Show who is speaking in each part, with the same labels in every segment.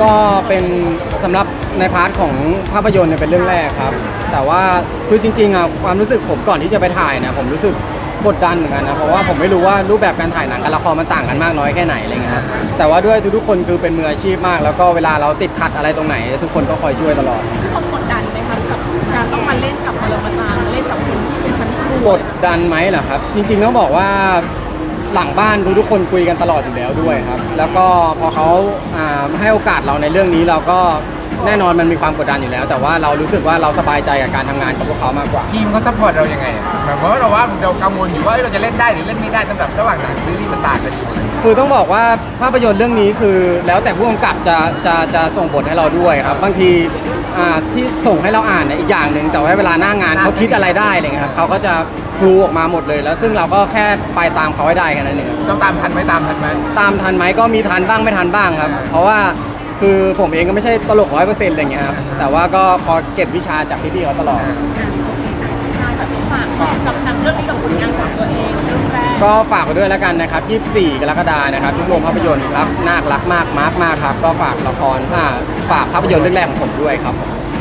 Speaker 1: ก็เป็นสำหรับในพาร์ทของภาพยนตร์เนี่ยเป็นเรื่องแรกครับแต่ว่าคือจริงๆอ่ะความรู้สึกผมก่อนที่จะไปถ่ายเนี่ยผมรู้สึกกดดันเหมือนกันนะเพราะว่าผมไม่รู้ว่ารูปแบบการถ่ายหนังกับละครมันต่างกันมากน้อยแค่ไหนอะไรเงี้ยครับแต่ว่าด้วยทุกๆคนคือเป็นมืออาชีพมากแล้วก็เวลาเราติดขัดอะไรตรงไหนทุกคนก็คอยช่วยตลอด
Speaker 2: ความกดดันไหมครับกับการต้องมาเล่นกับปรมาจารย์เล่นกับคนที่เป็นชั้นครู
Speaker 1: กดดันไหมเหรอครับจริงๆต้องบอกว่าหลังบ้านทุกคนคุยกันตลอดอยู่แล้วด้วยครับแล้วก็พอเขาให้โอกาสเราในเรื่องนี้เราก็แน่นอนมันมีความกดดันอยู่แล้ว แต่ว่าเรารู้สึกว่าเราสบายใจกับการทำงานกับพวกเขามากกว่า
Speaker 3: ทีมเขาซัพพอร์ตเรายังไงแบบว่าเรากังวลอยู่ว่าเราจะเล่นได้หรือเล่นไม่ได้สำหรับระหว่างหนังซีรีส์มันต่างกันอยู่
Speaker 1: คือต้องบอกว่าภาพยนตร์เรื่องนี้คือแล้วแต่ผู้กำกับจะส่งบทให้เราด้วยครับบางทีที่ส่งให้เราอ่านเนี่ยอีกอย่างหนึ่งแต่ว่าเวลาหน้างานเขาคิดอะไรได้อะไรเงี้ยครับเขาก็จะกรูออกมาหมดเลยแล้วซึ่งเราก็แค่ไปตามเขาให้ได้แค่นั้นเอง
Speaker 3: เราตามทันไหมตามทัน
Speaker 1: ไหมก็มีทันบ้างไม่ทันบ้างครับเพราะว่าคือผมเองก็ไม่ใช่ตลก100%อะไรเงี้ยครับแต่ว่าก็พอเก็บวิชาจากพี่ๆเขาตลอด
Speaker 2: ฝากกับหนังเรื่องนี้กับผลงานของตัวเองเรื่องแรก
Speaker 1: ก็ฝากไปด้วยแล้วกันนะครับ24 กรกฎาคมนะครับทุกโรงภาพยนตร์ครับน่ารักมากมากครับก็ฝากละครฝากภาพยนตร์เรื่องแรกของผมด้วยครับ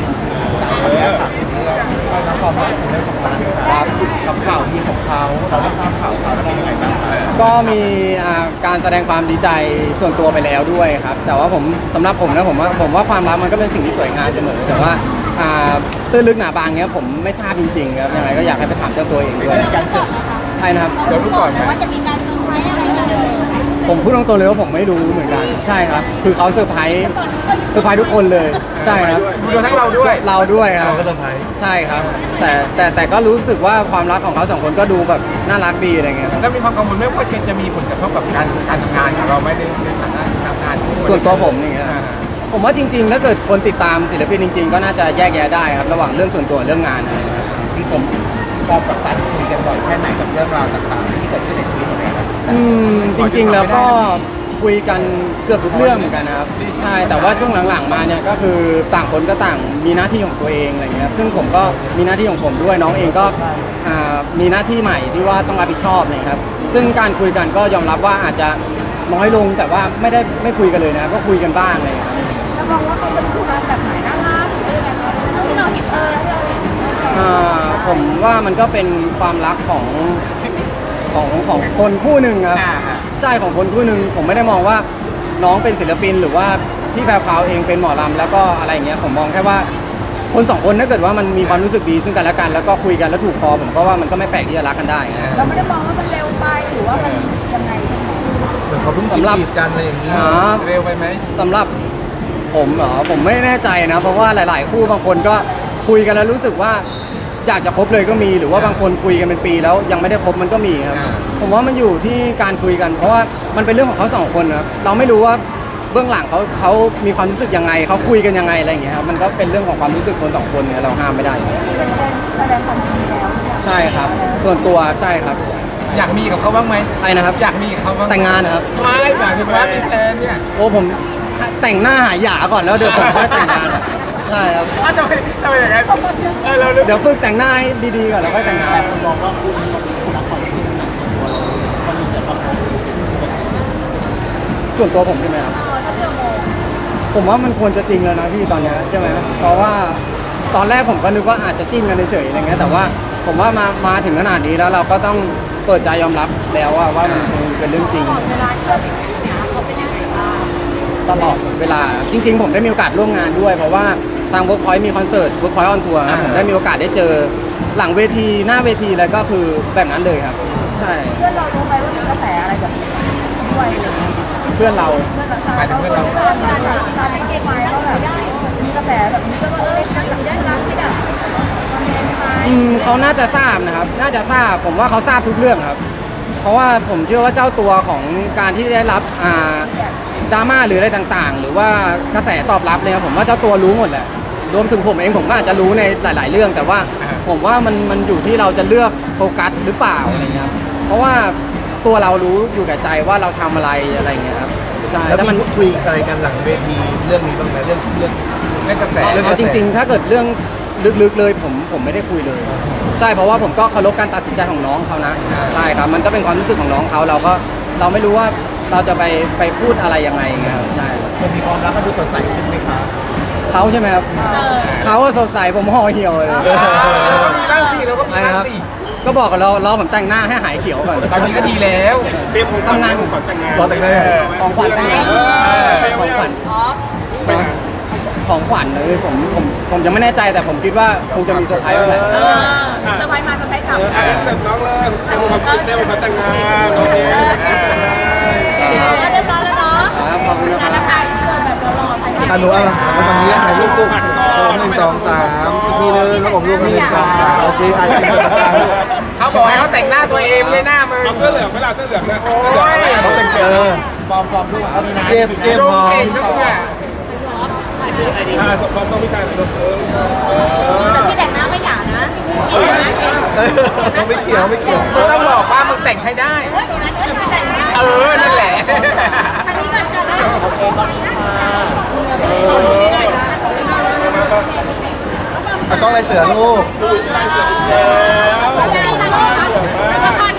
Speaker 3: เราความรักของเรื่องของร้านครับกับข่าวดีของเขาเราได้ทราบข่าวเขาเป็นยังไงบ้าง
Speaker 1: ก็มีการแสดงความดีใจส่วนตัวไปแล้วด้วยครับแต่ว่าผมสำหรับผมนะผมว่าความรักมันก็เป็นสิ่งที่สวยงามเสมอแต่ว่าตื้นลึกหนาบางเนี้ยผมไม่ทราบจริงๆครับยังไงก็อยากให้ไปถามเจ้าตัวเองด้วยใช่นะครับ
Speaker 3: เดี๋ยวรู้ก่อน
Speaker 2: ว่าจะมีการเซอร์ไพรส์อะไรกัน
Speaker 1: ผมพูดตรงๆเลยว่าผมไม่รู้เหมือนกันใช่ครับคือเขาเซอร์ไพรส์ทุกคนเลยใช่ครับ
Speaker 3: ดูทั้งเราด้วย
Speaker 1: ครับ
Speaker 3: ก็เซอร์ไพรส์
Speaker 1: ใช่ครับแต่ก็รู้สึกว่าความรักของเขา2 คนก็ดูแบบน่ารักดีอะไรเงี้ย
Speaker 3: แล้วมีความกังวลไหมว่าจะมีผลกระทบกับการทำงานของเราไหมในฐานะทำงาน
Speaker 1: ส่วนตัวผมนี่ครับผมว่าจริงๆถ้าเกิดคนติดตามศิลปินจริงๆก็น่าจะแยกแยะได้ครับระหว่างเรื่องส่วนตัวเรื่องงานอะไร
Speaker 3: ที่ผมพอกับการคุยกันบ่อยแค่ไหนกับเรื่องราวต่างๆที่เกิดขึ้นในชีวิตของเรา
Speaker 1: จริงๆแล้วก็คุยกันเกือบทุกเรื่องเหมือนกันนะครับใช่แต่ว่าช่วงหลังๆมาเนี่ยก็คือต่างคนก็ต่างมีหน้าที่ของตัวเองอะไรเงี้ยซึ่งผมก็มีหน้าที่ของผมด้วยน้องเองก็มีหน้าที่ใหม่ที่ว่าต้องรับผิดชอบนะครับซึ่งการคุยกันก็ยอมรับว่าอาจจะน้อยลงแต่ว่าไม่คุยกันเลยนะก็คุยกันบ้างเลยครับ
Speaker 2: แล้วมองว่าเขาเป็นคู่รักแบบไหนน่ารักหรืออะไรที่เราเห็น
Speaker 1: ผมว่ามันก็เป็นความรักของคนคู่หนึ่งครับใช่ของคนคู่หนึ่งผมไม่ได้มองว่าน้องเป็นศิลปินหรือว่าพี่แพรวพราวเองเป็นหมอลำแล้วก็อะไรอย่างเงี้ยผมมองแค่ว่าคน2 คนถ้าเกิดว่ามันมีความรู้สึกดีซึ่งกันและกันแล้วก็คุยกันแล้วถูกคอผมก็ว่ามันก็ไม่แปลกที่จะรักกันได้
Speaker 2: เราไม่ได้มองว่ามันเร็วไปหรือว่ามันยังไง
Speaker 3: เหมือนเขาเพิ่งจีบกันอะไรอย่างนี้เร็วไปไหม
Speaker 1: สำหรับผมเหรอผมไม่แน่ใจนะเพราะว่าหลายๆคู่บางคนก็คุยกันแล้วรู้สึกว่าอยากจะคบเลยก็มีหรือว่าบางคนคุยกันเป็นปีแล้วยังไม่ได้คบมันก็มีครับผมว่ามันอยู่ที่การคุยกันเพราะว่ามันเป็นเรื่องของเขา2 คนครับเราไม่รู้ว่าเบื้องหลังเขามีความรู้สึกยังไงเขาคุยกันยังไงอะไรอย่างเงี้ยครับมันก็เป็นเรื่องของความรู้สึกคน2 คนเนี่ยเราห้ามไม่ได้
Speaker 2: แสดงความยินดีแล้ว
Speaker 1: ใช่ครับส่วนตัวใช่ครับ
Speaker 3: อยากมีกับเขาบ้างไหม
Speaker 1: ไอ้นะครับ
Speaker 3: อยากมีกับเขาบ้าง
Speaker 1: แต่งงานนะครับ
Speaker 3: ไม่หมายถึงว่ามีแฟนเนี่ย
Speaker 1: โอ้ผมแต่งหน้าหาหยาก่อนแล้วเดี๋ยวผมค่อยแต่งงานใช่ครับ
Speaker 3: ทำไมอย่างนั้น
Speaker 1: เดี๋ยวฝึกแต่งหน้าให้ดีๆก่อนแล้วค่อยแต่งงานมองว่าคุณรักความจริงส่วนตัวผมใช่ไหมครับผมว่ามันควรจะจริงแล้วนะพี่ตอนนี้ใช่ไหมเพราะว่าตอนแรกผมก็นึกว่าอาจจะจิ้นกันเฉยๆอะไรเงี้ยแต่ว่าผมว่ามาถึงขนาดนี้แล้วเราก็ต้องเปิดใจยอมรับแล้วว่ามันเป็นเรื่องจริง
Speaker 2: เวลาที่เราติดเนี่ยเขาเป็นยังไงบ้าง
Speaker 1: ตลอดเวลาจริงๆผมได้มีโอกาสร่วมงานด้วยเพราะว่าทาง Workpoint มีคอนเสิร์ต Workpoint on Tour ครับผมได้มีโอกาสได้เจอหลังเวทีหน้าเวทีแล้วก็คือแบบนั้นเลยครับใช่
Speaker 2: เพื่อนเรารู้ไหมว่ามีกระแสอะไรแบบนี้ด้วย
Speaker 1: เพื่อนเรา
Speaker 3: หมายถึงเพื่อนเรา
Speaker 2: การไม่เก่งไหมเขาแบบมีกระแสแบบนี้ก็ได้รักไม่ได้
Speaker 1: เขาน่าจะทราบนะครับน่าจะทราบผมว่าเขาทราบทุกเรื่องครับเพราะว่าผมเชื่อว่าเจ้าตัวของการที่ได้รับดราม่าหรืออะไรต่างๆหรือว่ากระแสตอบรับเลยครับผมว่าเจ้าตัวรู้หมดแหละรวมถึงผมเองผมก็อาจจะรู้ในหลายๆเรื่องแต่ว่าผมว่ามันอยู่ที่เราจะเลือกโฟกัสหรือเปล่าอะไรเงี้ยเพราะว่าตัวเรารู้อยู่กับใจว่าเราทำอะไรเงี้ยครับ
Speaker 3: ใช่แล้วมันคุยอะไรกันหลังเวทีเรื่องนี้บ้างไหมเรื่องกระแส
Speaker 1: เอาจริงๆถ้าเกิดเรื่องลึกๆเลยผมไม่ได้คุยเลยใช่เพราะว่าผมก็เคารพการตัดสินใจของน้องเขานะใช่ครับมันก็เป็นความรู้สึกของน้องเขาเราไม่รู้ว่าเราจะไปพูดอะไรยังไงครับใช่
Speaker 3: คนมีความรักก็ดูสดใสขึ้นไหมครับ
Speaker 1: เขาใช่ไหมครับเขาอะสดใสผมห่อเหี่ยวเลย
Speaker 3: เราก็มีบ้างสิเราก็มี
Speaker 1: อะไร
Speaker 3: บ้าง
Speaker 1: ครับ
Speaker 3: สิ
Speaker 1: ก็บอกกับเรารอผมแต่งหน้าให้หายเขียวก่อน
Speaker 3: ตอนนี้ก็ดีแล้ว
Speaker 1: ทำงาน
Speaker 3: รอแต่งได้
Speaker 1: ของขวัญแต่งงานของขวัญของขวัญเลยผมยังไม่แน่ใจแต่ผมคิดว่าคงจะมีเซอร์ไพรส์แหละ
Speaker 2: เซอร์ไพรส์มาเซอร์ไพรส์กลับ
Speaker 3: เสร็จน้องเลยเต็มความคิดเต็มความแต่งงานโอเค
Speaker 2: เรียบร้อยแล้วเนาะ
Speaker 1: ครับขอบคุณนะครับ
Speaker 2: ราคาอินเสิร์ตแบบหล่อๆใส่
Speaker 4: อนุอะไรมาตรงนี้ถ่ายรูปตุ๊ก1 2 3ทีนึงแล้วผมรูป1 2 3โอเคอาจจะเป็นกลาง
Speaker 3: เขาบอกให้เขาแต่งหน้าตัวเองไม่หน้ามึง
Speaker 5: เอาเสื้อเหลืองไหมล่ะเสื้อเหลืองนะ
Speaker 3: โอ้ย
Speaker 4: เขาแต่งปลอมรูปเขามีนะเจม
Speaker 3: โช
Speaker 4: พอ
Speaker 3: ว์เก่งนะมึงอ่ะ
Speaker 5: สมต้องพี่ชายหน่อยลูก
Speaker 2: แต่พี่แต่งหน้าไม่หยานะแต่งหน้าเก่ง
Speaker 4: ไม่เกี่ยว
Speaker 3: มึงต้องบอกว่ามึงแต่งให้ได้
Speaker 2: เฮ้ยเดี๋ยวนะเดี๋ยวพี่แต่งหน้า
Speaker 3: นั่นแหละ
Speaker 2: ทางนี้ก่อนกันนะโอเคก่อนค่ะ
Speaker 4: ต้องอะไรเสือลูก
Speaker 2: แล้วก็พัน